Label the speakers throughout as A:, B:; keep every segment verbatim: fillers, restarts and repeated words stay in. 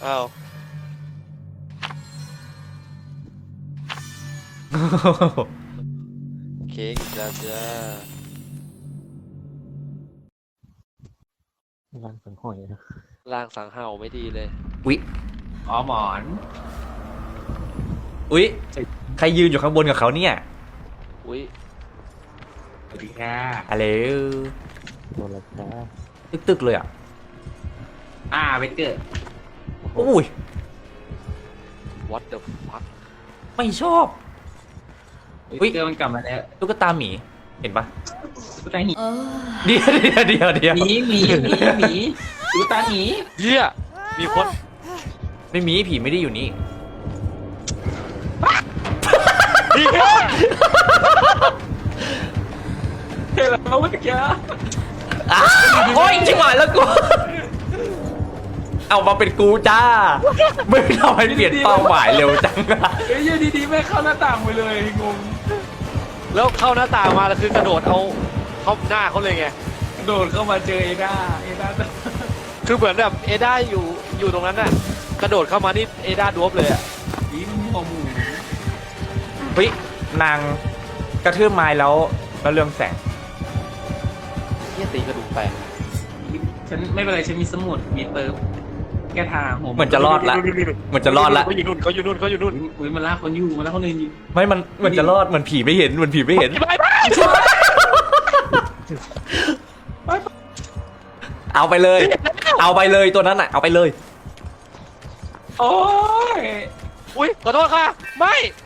A: อ้าวเค้กอีกแล้วจ้า
B: ร่างสังหอยนะ
A: ล่างสังเห่าไม่ดีเลย
C: อุ๊ย
D: อ๋อหมอน
C: อุ๊ยใครยืนอยู่ข้างบนกับเขาเนี่ย
A: อุ้ย
D: สวัสดีค่ะ
C: อะไร
B: โดนแล้วจ้า
C: ตึกๆเลยอ่ะ
D: อ่าไปเกิด
C: อุ้ย
A: what the fuck
C: ไม่ชอบ อุ๊ย
D: เกิดมันกลับมาแล้ว
C: ตุ๊กตาหมีเห็นปะ
D: ตุ๊กตาหมี
C: เดี๋ยวเดี๋ยวเดี๋ยวเดี๋ยว
D: หมีหมีหมีหมีตุ๊กตาหมี
A: เฮียมีคน
C: ไม่มีผีไม่ได้อยู่นี่
A: เฮีย
D: เฮ้ยเราเมื่อกี้
C: อ้าวโอ้ยจิ๋วหายแล้วกูเอามาเป็นกูจ้าไม่ทำให้เปลี่ยนเป้าหมายเร็วจังอะ
D: เฮ้ยอยู่ดีๆไม่เข้าหน้าต่างไปเลยงง
A: แล้วเข้าหน้าต่างมาแล้วคือกระโดดเอาเข้าหน้าเขาเลยไง
D: โดดเข้ามาเจอเอด้าเอด้า
A: คือเหมือนแบบเอด้าอยู่อยู่ตรงนั้นน่ะกระโดดเข้ามานี่เอด้าดวบเลยอ่ะ
D: ยิ้มหัวหมู
C: เฮ้ยนางกระทืบไม้แล้วแล้วเรื่องแสง
A: เฮียตีกระดูกแตก
D: ฉันไม่เป็นไรฉันมีสมุดมีเติมแก้ทางหัว
C: เหมือนจะรอดละเหมือนจะรอดละ
A: เขาอยู่นู่นเขาอยู่นู่นเขาอยู่นู่น
D: อุ้ยมันลากคนอยู่มันลากคนอื่นอยู่
C: ไม่มันเหมือนจะรอดเหมือนผีไม่เห็นเหมือนผีไม่เห็น
A: ไปไป
C: เอาไปเลย เอาไปเลยตัวนั้นน่ะเอาไปเลย
D: โอ้ย
A: อุ้ยขอโทษค่ะไม่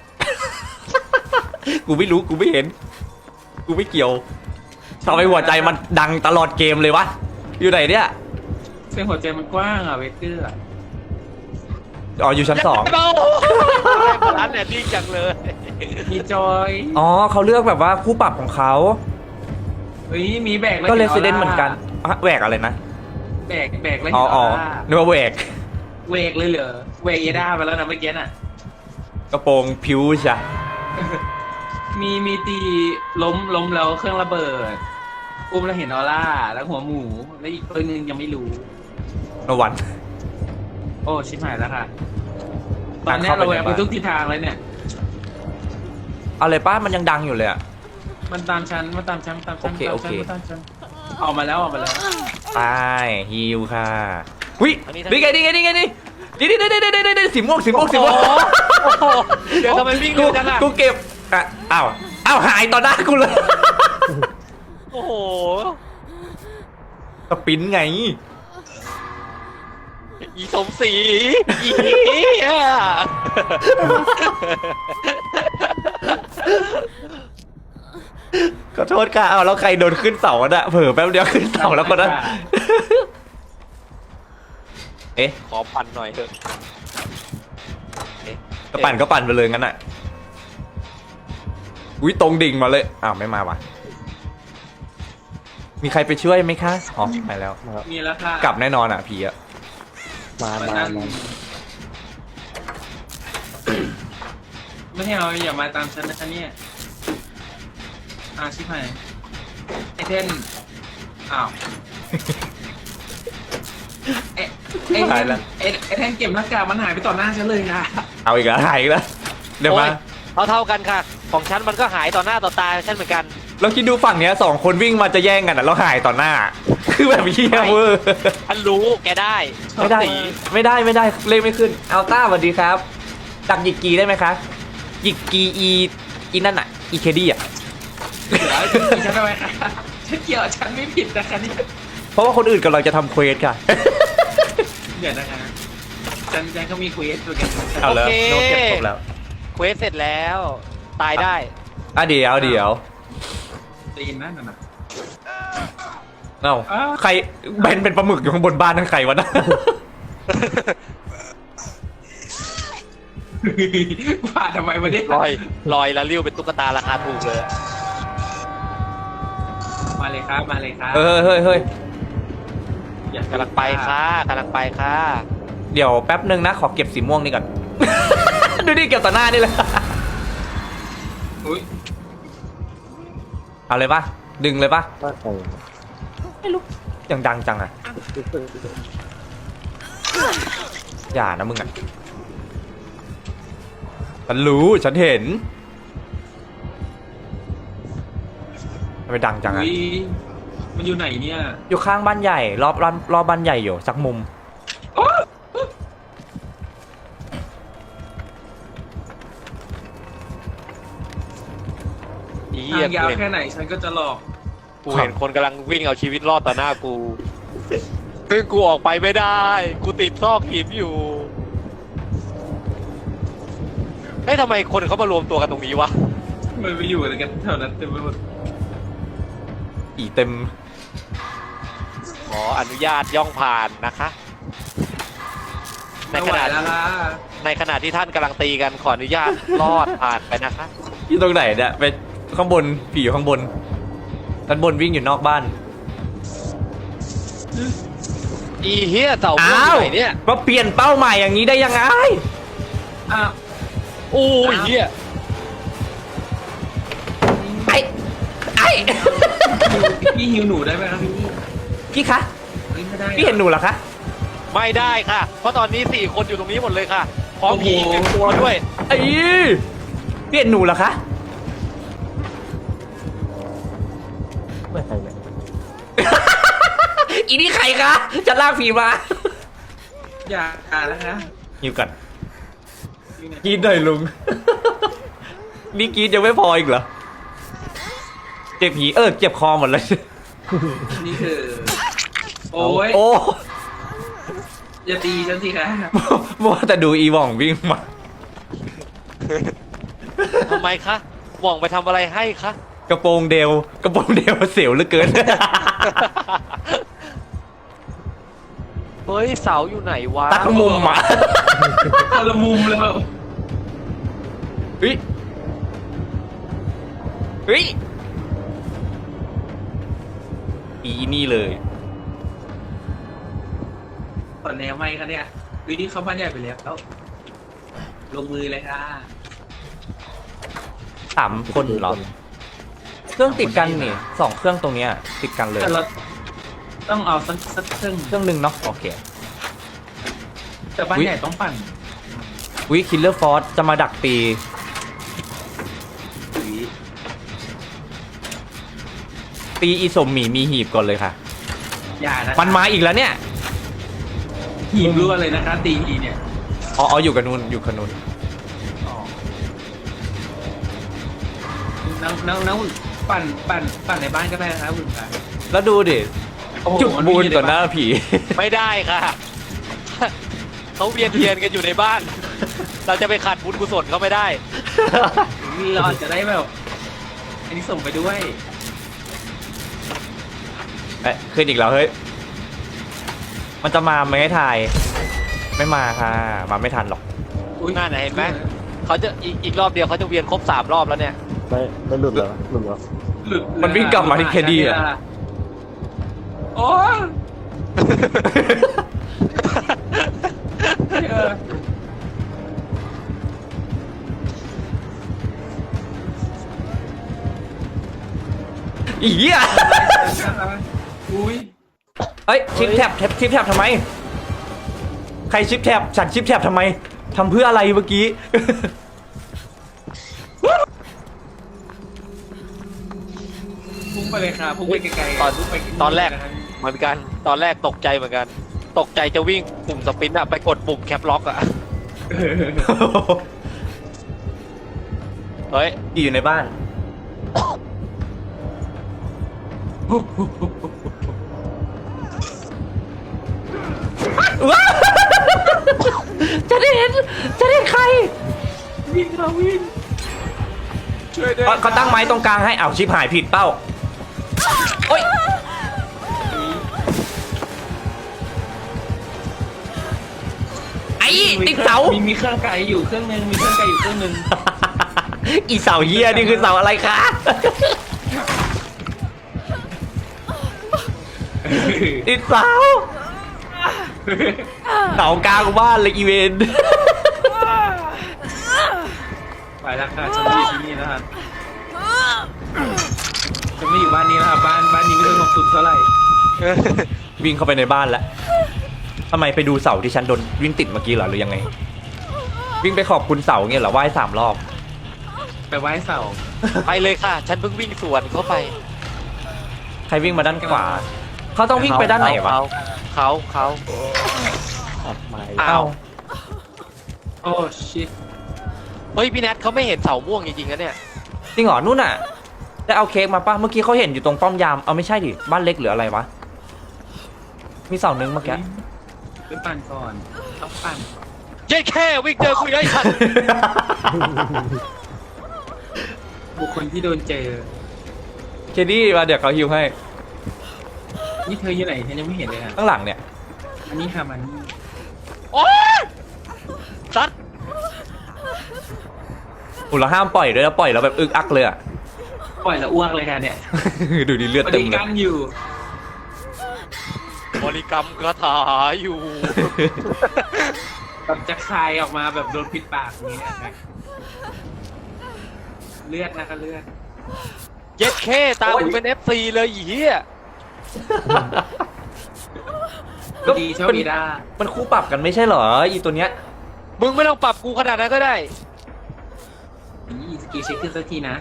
C: กูไม่รู้กูไม่เห็น กูไม่เกี่ยวทำไมหัวใจมันดังตลอดเกมเลยวะอยู่ไหนเนี่ย
D: เส้นหัวใจมันกว้างอ่ะเวเกอร์
C: อ๋ออยู่ชั้นสอง
A: เบาร้านเนี่ยดีจังเลย
D: มีจอย
C: อ๋อเขาเลือกแบบว่าคู่ปรับของเขา
D: เฮ้ยมีแบกแล้ว
C: ก็เล
D: ห็
C: สเดนเหมือนกันอะแหวกอะไรนะ
D: แบกแบกแล้ว
C: อ๋อ
D: เห็น
C: อ๋อ
D: ออร่า
C: นึกว่าแหวก
D: เวกเลยเหรอเวกเอด้าไปแล้วนะเมื่อกี้น่ะ
C: กระโปรงผิวจ้ะ
D: มีมีตีล้มล้มแล้วเครื่องระเบิดอุ้มแล้วเห็นออร่าแล้วหัวหมูแล้วอีกตัวหนึงยังไม่รู้
C: นวัน
D: โอ้ชิบหายแล้วค่ะตอนเนี้ยเราแหวกไปทุกทิศทางเลยเนี่ย
C: เอาเลยป้ามันยังดังอยู่เลยอะ
D: มันตามชั้นมันตามชั้นตามชั้น
C: โอเค
D: ตาม
C: โอ
D: ชั้
C: เค
D: นมันตามชั้นออกมาแล้วออกมาแล้ว
C: ไปฮิวค่ะวินี่ไงนี่ไงนี่ไงนี่นี่นี่นี่นี่นี่นี่สีม่วงสีม่วงสีม่วง
A: โอ้โหเดี๋ยวทำไมวิ่ง
C: กู
A: เร็วจังอ่ะ
C: กูเก็บอ่ะอ้าวอ้าวหายต่อหน้ากูเลย
A: โอ้โห
C: สปินไง
A: อีสมศรีอีอ่ะ
C: ขอโทษค่ะเอาแล้วใครโดนขึ้นเสาอ่ะเผลอแป๊บเดียวขึ้นเสาแล้วก็นะเอ๊ะ
A: ขอปั่นหน่อยเถอะเอ๊ะ
C: ก็ปั่นก็ปั่นไปเลยงั้นอ่ะอุ้ยตรงดิ่งมาเลยอ้าวไม่มาว่ะมีใครไปช่วยไหมคะอ๋อไปแล้ว
B: มาแล้ว
D: มีแล้วค่ะ
C: กลับแน่นอนอ่ะผีอ่ะ
B: มา
D: มัน
B: มา
D: นั่น
B: มา
D: ไม่ให้เอาอย่ามาตามฉันนะคะเนี่ยอาชิบหายไอเทนอ้าวไอไอเทนไอไอเทนเก็บหน้ากากมันหายไปต่อหน้าฉันเลยค่ะ
C: เอาอีกแล้วหายอีกแล้วเดี๋ยวมา
A: เท่าเท่าๆกันค่ะ ของฉันมันก็หายต่อหน้าต่อตาฉันเหมือนกัน
C: เราคิดดูฝั่งเนี้ยสองคนวิ่งมาจะแย่งกันอ่ะแล้วหายต่อหน้า คือแบบเฮียเวอร์
A: ฉันรู้แกได้
C: ไม่ได้
A: สี
C: ไม่ได้ไม่ได้เลขไม่ขึ้นอัลต้าสวัสดีครับดักหยิกกีได้ไหมคะหยิกกีอีอีนั่นอ่ะอีเคดี้อ่ะ
D: ฉันทำไมคะฉันเกี่ยวฉันไม่ผิดนะคะนี่
C: เพราะว่าคนอื่นกำลังจะทำเควสค่ะ
D: เดี๋ยวนะคะฉันฉันก็มีคุยตัวกัน
C: เอาแล้วโน้ตเก็บครบแล้ว
A: เควสเสร็จแล้ว ตายได้
C: อ่ะเดี๋ยวเดี๋ยว
D: ตีนนั่นน่ะ
C: เอ้า
D: อ้าว
C: ใครแบนเป็นปลาหมึกอยู่ข้างบนบ้านนั่นใครวะนะ
D: ว่าทำไมวันนี้
A: ลอยลอยแล้วริ้วเป็นตุ๊กตาราคาถูกเลย
D: มาเลยครับมาเลยครับ
C: เออเฮ้ยเฮ้ย
D: อยาก
A: กำลังไปค่ะกำลังไปค่ะ
C: เดี๋ยวแป๊บนึงนะขอเก็บสีม่วงนี่ก่อน ดูดิเก็บต่อหน้านี่เลย
D: อุ้ย
C: เอาเลยปะดึงเลยปะ
B: ว่าใคร
C: ไม่รู้ยังดังจังอ่ะอย่านะมึงอ่ะฉันรู้ฉันเห็นทำไมดังจังอ่ะ
D: อุ๊ยมันอยู่ไหนเนี่ย
C: อยู่ข้างบ้านใหญ่รอบรอบรอบบ้านใหญ่อยู่สักมุม
A: อี
D: ทางยาว
A: เหี้ย
D: แค่ไหนฉันก็จะหลอก
A: กูเห็นคนกำลังวิ่งเอาชีวิตรอดต่อหน้ากูซึ่งกูออกไปไม่ได้ กูติดซอกหินอยู่เฮ้ยทำไมคนเขามารวมตัวกันตรงนี้วะ
D: มันไปอยู่อะไรกันแถวนั้นเต็มไปหมด
C: อีเต็ม
A: ขออนุญาตย่องผ่านนะคะ ใน
D: ไม่
A: ข
D: ไหว
A: ณะ
D: แล้วล่ะ
A: ในขณะที่ท่านกำลังตีกันขออนุญาตรอดผ่านไปนะคะ
C: อยู่ตรงไหนเนี่ยไปข้างบนผีอยู่ข้างบนด้านบนวิ่งอยู่นอกบ้าน
A: อีเฮียเต่าพวก
C: อ้าว
A: ไหนเนี่ย
C: มาเปลี่ยนเป้าหมายอย่างนี้ได้ยังไง
D: อ้าว
A: โอ้ยเฮีย
C: ไอ้ไอ้
D: พี่หิวหนูได้ไหมครับพี่
C: พี่คะ
D: เฮ้ยไม่ได้
C: พี่เห็นหนูเหรอคะ
A: ไม่ได้ค่ะ เพราะตอนนี้สี่คนอยู่ตรงนี้หมดเลยค่ะพร้อมผีเป็นตัวด้วย
C: ไอ้พี่เห็นหนูเหรอคะ
B: ไม่ใครเนี่ย
C: อีนี่ใครคะจะลากผีมา
D: อย่าอ่านแล้วนะ
C: หิวกัน
D: อยู่ไหน
C: กรีดหน่อยลุง นี่กรีดยังไม่พออีกเหรอเจ็บผีเออเจ็บคอหมดเลย
D: นี่คือ โอ้ย
C: โอ้
D: อย่าตีฉันสิคะ
C: มัวแต่ดูอีว่องวิ่งมา
A: ทำไมคะหว่องไปทำอะไรให้คะ
C: กระโปรงเดวกระโปรงเดวเสียวเหลือเกิน
A: เฮ้ยเสาอยู่ไหนวะ
C: ตั้งมุมอ่ะ
D: คนละมุมเลยแบบ
C: เฮ้ยเฮ้ยอีนี่เลย
D: ตอนแนวไหมคะเนี่ยวิธีเขาบ้านใหญ่ไปแล้วแล้วลงมือเลยค่ะ
C: สามคนเหรอ เครื่องติดกันนี่สองเครื่องตรงเนี้ยติดกันเลย
D: แต่เราต้องเอาสักสักเครื่อง
C: เครื่องหนึ่งเนาะโอเค
D: แต่บ้านใหญ่ต้องปั่น
C: วิคิลเลอร์ฟอร์จะมาดักตี
D: อุ๊ย
C: ตีอีสมหมีมีหีบก่อนเลยค่ะ
D: อย่านะ
C: มันมาอีกแล้วเนี่ย
D: หีบรั่วเลยนะคะตีทีเนี่ย
C: อ๋ออ๋ออยู่กับนูนอยู่กับนูน
D: อ๋อน้องน้องน้องปั่นปั่นปั่นในบ้านก็ได้นะครับคุณค่ะ
C: แล้วดูดิ
D: โอ้โห
C: จุดบูนต่อหน้าผี
A: ไม่ได้ค่ะ เขาเวียนเทียนกันอยู่ในบ้าน เราจะไปขัดบุญกุศลเขาไม่ได้
D: เราอาจจะได้แบบอันนี้ส่งไปด้วย
C: เอ๊ะขึ้นอีกแล้วเฮ้ย มันจะมาไหมให้ทาย ไม่มาค่ะ มาไม่ทันหรอก
D: อุ๊ย
A: นั่นน่ะเห็นไหม เขาจะอีกอีกรอบเดียวเขาจะเวียนครบสามรอบแล้วเนี่ย
B: ไม่ไม่หลุดเหรอหลุดเหรอ
D: หลุด
C: มันวิ่งกลับมาที่แคดดี้อะ
D: โอ้ยเออ
C: อีเหี้ย
D: อุ้ย
C: เอ้ยชิปแท็บชิปแท็บทำไม ใครชิปแท็บฉันชิปแท็บทำไมทำเพื่ออะไรเมื่อกี้
D: พุ่งไปเลยค่ะพุ่งไปไกลๆ
A: ตอน
D: พุ่งไป
A: ตอนแรกเหมือนกัน ตอนแรกตกใจเหมือนกัน ตกใจจะวิ่งปุ่มสปรินต์อะไปกดปุ่มแคปล็อกอะเฮ้ย
C: อยู่ในบ้าน จะได้เห็นจะได้เห็นใคร
D: วิ่งค่ะวิ่งช่วยด้วย
C: เขาเขาตั้งไม้ตรงกลางให้เอาวชิปหายผิดเป้าโอ๊ยไอ้ติดเสา
D: มีมีเครื่องไก่อยู่เครื่องนึงมีเครื่องไก่อยู่เครื่องนึง
C: อีเสาเหี้ยนี่คือเสาอะไรคะ ติดเสาเสากลางบ้านเลยอีเวนต์
D: ไปแล้วค่ะฉันไม่อยู่ที่นี่แล้วครับฉันไม่อยู่บ้านนี้แล้วครับบ้านบ้านนี้ไม่สงบสุขเท่าไหร่
C: วิ่งเข้าไปในบ้านแล้วทำไมไปดูเสาที่ฉันโดนวิ่งติดเมื่อกี้เหรอหรือยังไง วิ่งไปขอบคุณเสาเงี้ยเหรอไหว้สามรอบ
D: ไปไหว้เสา
A: ไปเลยค่ะ ฉันเพิ่งวิ่งสวนเข้าไป
C: ใครวิ่งมาด้านขวา เขาต้องวิ่งไปด้านไหนวะ
A: เขาเขาเขา
B: อัดไม้
A: อ้าว
D: โอ้ชิต
A: เฮ้ยพี่แนทเขาไม่เห็นเสาม่วงจริงๆนะเนี่ย
C: จริงเหรอนู่นน่ะได้เอาเค้กมาป่ะเมื่อกี้เขาเห็นอยู่ตรงป้อมยามเอาไม่ใช่ดิบ้านเล็กหรืออะไรวะมีเสาหนึ่งเมื่อกี้
D: ไปปั่นก่อนต้องปั่น
A: เย้แค่วิ่งเจอคุยได้ทัน
D: บุคคลที่โดนเจอ
C: เคดี้มาเดี๋ยวเขาฮิวให้
D: นี่เธออยู่ไหนฉันยังไม่เห็นเลยอ่ะ
C: ข้างหลังเนี่ย
D: อันนี้ค่ะมันนี่
A: โอ๊ยซัด
C: อุยเราห้ามปล่อยด้วยนะปล่อยแล้วแบบอึกอักเลยอะ
D: ปล่อยแล้วอ้วกเลยค่ะเนี่ย
C: ดูดิเลือด
D: พอ
C: เต็
D: ดี
C: มเลย
D: กั้นอยู่
A: บริกรรมคาถาอยู่
D: แบบจะคายออกมาแบบโดนปิดปากอย่างนี้นะเลือดนะคะเลือด
A: เย็ดแค่ตามกูเป็น เอฟ ซี เลยอีเหี้ย
C: ก็
D: ดีโชค
C: เป็น
D: ดีด้า
C: มันคู่ปรับกันไม่ใช่เหรออีตัวเนี้ย
A: มึงไม่ต้องปรับกูขนาดนั้นก็ได้
D: นี่สกิลเช็คขึ้นสักทีนะ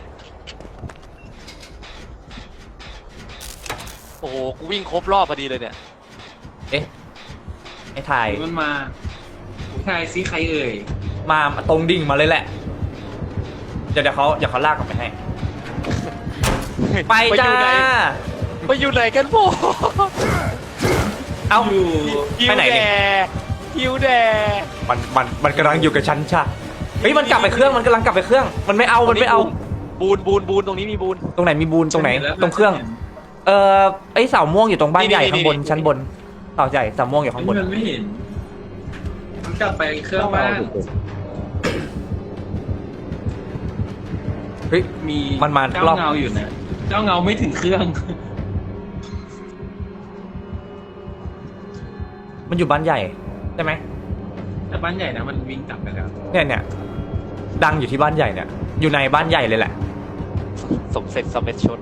A: โอ้โห กูวิ่งครบรอบพอดีเลยเนี่ย
C: เอ๊ะไอ้ถ่าย
D: มันมาผู้ชายซิใครเอ่ย
C: มาตรงดิ่งมาเลยแหละเดี๋ยวเดี๋ยวเขาเดี๋ยวเขาลากกลับไปให้ ไปจ้า
A: ไปอยู่ไหน ไปอยู่ไหนกันพวก
C: เอ้า
D: อยู่
A: ฮิ
C: ไป
A: ว
C: ไหน
A: แด
C: เนี่ย
A: ฮิวแด
C: มันมันมันกำลังอยู่กับฉันใช่เฮ้ยมันกลับไปเครื่องมันกำลังกลับไปเครื่อง มันไม่เอามันไม่เอา
A: บูนบูนบูนตรงนี้มีบูน
C: ตรงไหนมีบูนตรงไหน
D: ฉัเแล้ว
C: ตรงเครื่อง เอ่อไอ้เสาม่วงอยู่ตรงบ้าน
A: นี่
C: ใหญ่
A: นี่
C: ข้างบน
A: นี่
C: ชั้นบนเสาใหญ่เสาม่วงอยู่ข้างบน
D: มันไม่เห็น มันกลับไปเครื่อง
B: ต้อง
D: บ้า
B: เอา
D: น
B: เด็ก
C: เฮ้ย
D: มี
C: มันมา
D: เจ้าร
C: อบ
D: เงาอยู่นะเจ้าเงาไม่ถึงเครื่อง
C: มันอยู่บ้านใหญ่ใช่ไหม
D: แต่บ้านใหญ่นะมันวิ่งกลับไปแล้ว
C: เนี่ยเนี่ยดังอยู่ที่บ้านใหญ่เนี่ยอยู่ในบ้านใหญ่เลยแหละ
A: สมเสร็จสมเม็ดชน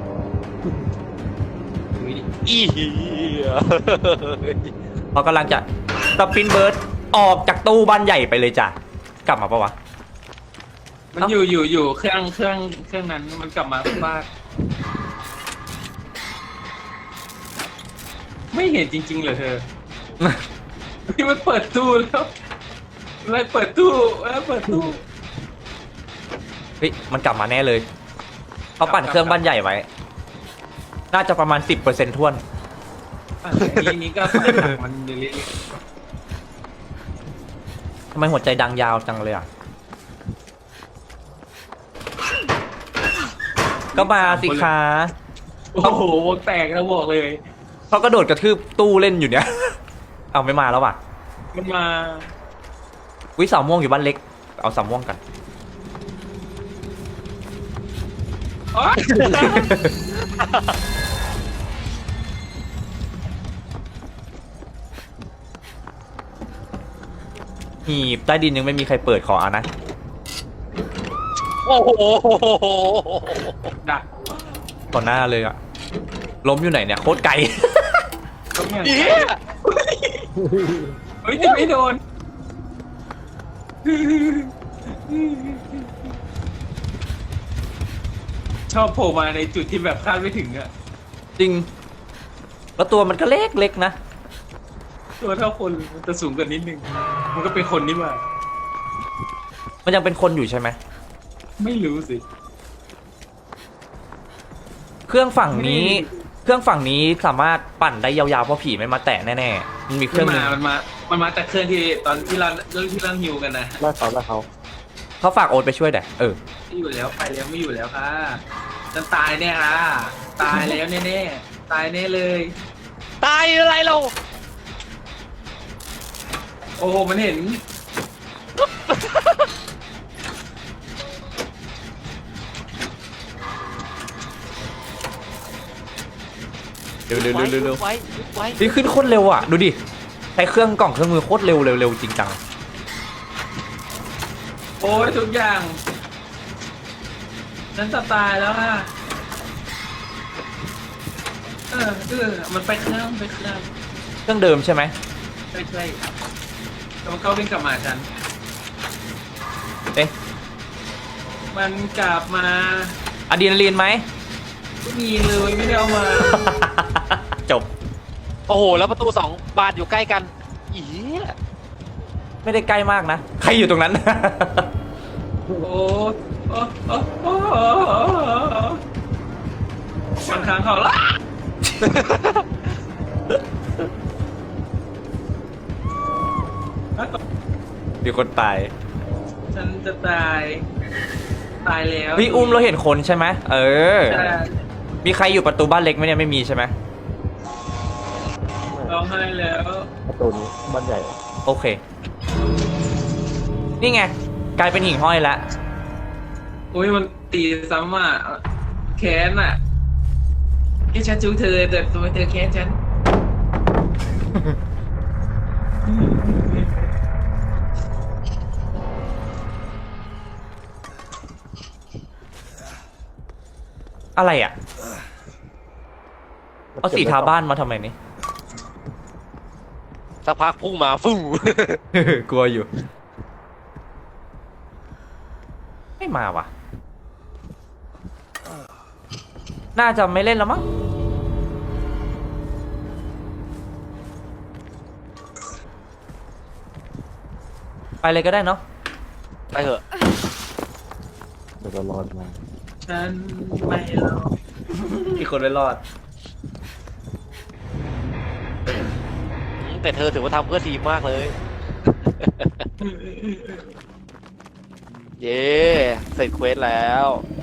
D: ดูดิ
A: อีเหี้ย
C: เขากำลังจะสปินเบิร์ดออกจากตู้บ้านใหญ่ไปเลยจ้ะกลับมาปะวะ
D: มัน
C: เอ้า
D: อยู่อยู่อยู่เครื่องเครื่องเครื่องนั้นมันกลับมาบ้านไม่เห็นจริงๆเหรอเธอ ที่มันเปิดตู้แล้วอะไรเปิดตู้แล้วเปิดตู้
C: เฮ้ยมันกลับมาแน่เลยเขาปั่นเครื่องบ้านใหญ่ไว้ น่าจะประมาณสิบเปอร์เซ็นต์ท้วน
D: อ่ะทีนี้ก็ปล่อยหนังมันเรื่อย
C: ทำไมหัวใจดังยาวจังเลยอ่ะก็มาสิคะ
D: ๆโอ้โหวงแตกแล้วบอกเลย
C: เขากระโดดกระทืบตู้เล่นอยู่เนี่ย เอาไม่มาแล้วว่ะ
D: มันมา
C: วิสาวม่วงอยู่บ้านเล็ก เอาสาวม่วงกัน
D: อ๋อ
C: หีบใต้ดินยังไม่มีใครเปิดขออ่ะนะ
A: โอ้โห
D: ดัก
C: ต่อหน้าเลยอ่ะ ล้มอยู่ไหนเนี่ยโคตรไกล
D: ต้องอย่าง
A: เหี้ย
D: เฮ้ยจะไม่โดน ชอบโผล่มาในจุดที่แบบคาดไม่ถึงอะ
C: จริง แล้วตัวมันก็เล็กเล็กๆนะ
D: ตัวเท่าคนมันจะสูงกว่านิดนึง มันก็เป็นคนนี่หว่า
C: มันยังเป็นคนอยู่ใช่ไหม
D: ไม่รู้สิ
C: เครื่องฝั่งนี้
D: นี่
C: เครื่องฝั่งนี้สามารถปั่นได้ยาวๆเพราะผีไม่มาแตะแน่ๆ มันมีเค
D: มั
C: รื่อน งหนึ
D: มา
C: ง
D: มันมา มันมาจากเครื่องที่ตอนที่เราเรื่องที่เราฮิวกันนะ
B: ไล่เขาไล่เขา
C: เขาฝากโอ๊ตไปช่วยแดะเออ
D: ไม่อยู่แล้วไปแล้วไม่อยู่แล้วค่ะฉันตายแน่ค่ะ ตายแล้วแน่ๆ ตายแน่เลย
A: ตายอะไรเรา
D: โอ้โหมันเห็น
C: เร็วเร็วเร็วเร็วเร็ว
A: ไว้ไว้
C: นี่ขึ้นโคตรเร็วอ่ะ ดูดิ ใช้เครื่องกล่องเครื่องมือโคตรเร็วเร็วเร็วจริงจัง
D: โอ้ยทุกอย่าง ฉันจะตายแล้วค่ะเออเออมันไปเครื่องไปเครื่อง
C: เครื่องเดิมใช่ไหม
D: ไม่ใช่แล้วเขาวิ่งกลับมาฉัน
C: เอ๊ะ
D: มันกลับมา
C: อะดรีนาลีนไหม
D: ไม่มีเลยไม่ได้เอามา
C: จบ
A: โอ้โห แล้วประตูสองบานอยู่ใกล้กันอี
C: ไม่ได้ใกล้มากนะ ใครอยู่ตรงนั้น
D: โอ้โอ้โอ้โอ้มันค้างเขาละ
C: มีคนตาย
D: ฉันจะตาย ตายแล้ว
C: พี่อุ้มเราเห็นคนใช่ไหมเออ
D: ใช่
C: มีใครอยู่ประตูบ้านเล็กไหมเนี่ยไม่มีใช่ไหม
D: ร้องไห้แล้ว
B: ประตูนี้บ้านใหญ่
C: โอเค นี่ไง กลายเป็นหิ่งห้อยแล้ว
D: อุ้ยมันตีซ้ำอ่ะแค้นอ่ะแค่ฉันจูเธอแต่ตัวเธอแค้นฉัน
C: อะไรอ่ะ เอาสีทาบ้านมาทำไมนี่
A: สักพักพุ่งมาฟู่
C: กลัวอยู่ ไม่มาว่ะ น่าจะไม่เล่นแล้วมั้ง ไปเลยก็ได้เนาะ
A: ไปเถอะ
B: เดี๋ยวเรารอดมา
D: ฉันไม่รอด
C: อีกคนไม่รอด
A: แต่เธอถือว่าทำเพื่อทีมมากเลย เย้เสร็จเควสแล้ว